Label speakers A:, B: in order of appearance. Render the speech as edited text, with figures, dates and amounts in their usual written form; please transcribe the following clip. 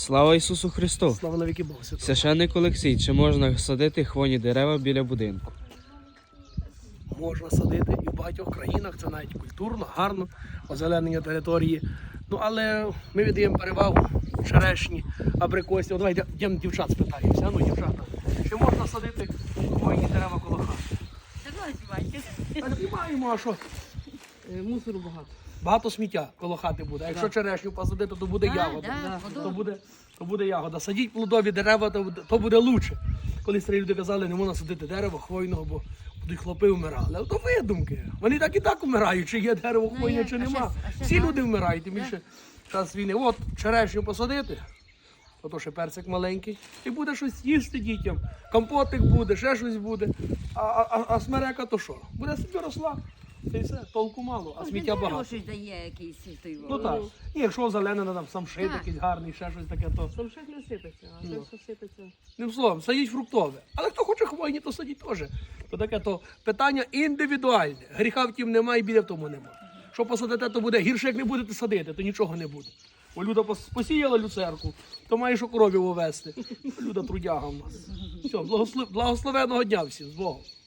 A: Слава Ісусу Христу!
B: Слава навіки Богу Святого.
A: Священник Олексій, чи можна садити хвойні дерева біля будинку?
B: Можна садити і в багатьох країнах, це навіть культурно, гарно, озеленення території. Ну, але ми віддаємо перевагу черешні, абрикосі. Давайте йдемо дівчат спитаємося. Ну, дівчата, чи можна садити хвойні дерева коло хати? Та знімаємо, а що?
C: Мусору багато.
B: Багато сміття коло хати буде. А якщо черешню посадити, то буде ягода. То буде ягода. Садіть плодові дерева, то буде краще. Колись старі люди казали, не можна садити дерево хвойного, бо будуть хлопи вмирали. Але то видумки. Вони так і так вмирають, чи є дерево хвойне, чи нема. Всі люди вмирають, тим більше час війни. От черешню посадити, ото ще перцик маленький, і буде щось їсти дітям. Компотик буде, ще щось буде. А смерека то що? Буде собі росла. Це і все, толку мало, а сміття багато.
C: Щось дає якийсь той.
B: Ну так. І якщо зелене, там самшит
C: Так.
B: якийсь гарний, ще щось таке, то
C: Самшит не сипеться, а це все сипеться.
B: ним словом, садіть фруктове. Але хто хоче хвойні, то садіть теж. То таке то питання індивідуальне. Гріха в тім немає, і біля в тому немає. Що посадите, то буде гірше, як не будете садити, то нічого не буде. Бо Люда посіяла люцерку, то має що коровів увести. Люда трудяга в нас. Все, благословеного дня всім, з Богом.